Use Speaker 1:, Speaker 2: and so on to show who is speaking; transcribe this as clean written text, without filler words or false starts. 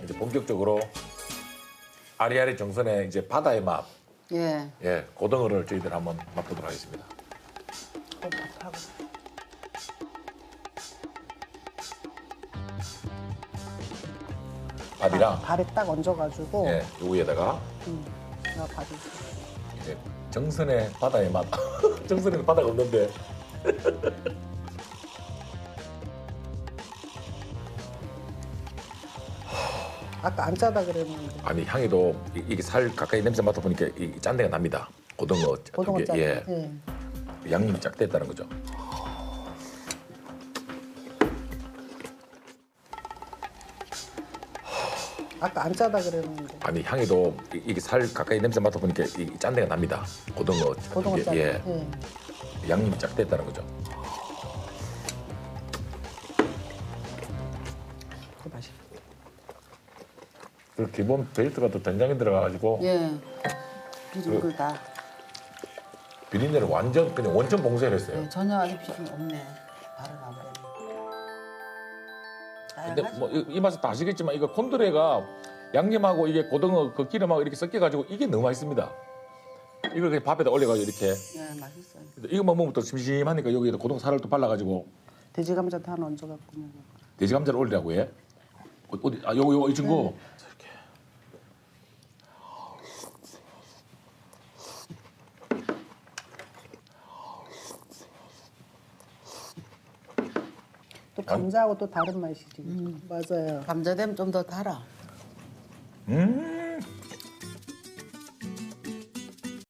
Speaker 1: 이제 본격적으로 아리아리 정선의 이제 바다의 맛,
Speaker 2: 예.
Speaker 1: 예, 고등어를 저희들 한번 맛보도록 하겠습니다.
Speaker 2: 밥하고.
Speaker 1: 밥이랑
Speaker 2: 밥에 딱 얹어가지고.
Speaker 1: 예, 요 위에다가
Speaker 2: 나 밥이.
Speaker 1: 이제 정선의 바다의 맛. 정선에는 바다가 없는데.
Speaker 2: 아까 안 짜다 그랬는데.
Speaker 1: 아니 향이도 이게 살 가까이 냄새 맡아보니까 이 짠내가 납니다. 고등어
Speaker 2: 고등어
Speaker 1: 저게,
Speaker 2: 짜.
Speaker 1: 예,
Speaker 2: 예.
Speaker 1: 양념이 쫙 됐다는 거죠.
Speaker 2: 아까 안 짜다 그랬는데.
Speaker 1: 아니 향이도 이게 살 가까이 냄새 맡아보니까 이 짠내가 납니다. 고등어
Speaker 2: 고등어
Speaker 1: 저게,
Speaker 2: 짜.
Speaker 1: 예,
Speaker 2: 예.
Speaker 1: 양념이 쫙 됐다는 거죠.
Speaker 2: 그 맛있어.
Speaker 1: 그 기본 베이스가 또 된장이 들어가가지고
Speaker 2: 예. 비린글다.
Speaker 1: 비린내를 완전 그냥 원천 봉쇄를 했어요.
Speaker 2: 예, 전혀 아직 비린 없네. 바로 나버렸네.
Speaker 1: 근데 뭐 이 맛은 다 아시겠지만 이거 콘드레가 양념하고 이게 고등어 그 기름하고 이렇게 섞여가지고 이게 너무 맛있습니다. 이걸 그냥 밥에다 올려가지고 이렇게
Speaker 2: 예, 맛있어요.
Speaker 1: 이것만 먹으면 또 심심하니까 여기에다 고등어 살을 또 발라가지고
Speaker 2: 돼지 감자도 하나 얹어갖고.
Speaker 1: 돼지 감자를 올리라고 해. 어디 아 요거 이 친구. 이렇게.
Speaker 2: 또 감자하고 또 다른 맛이지. 맞아요. 감자 되면 좀 더 달아.
Speaker 1: 음.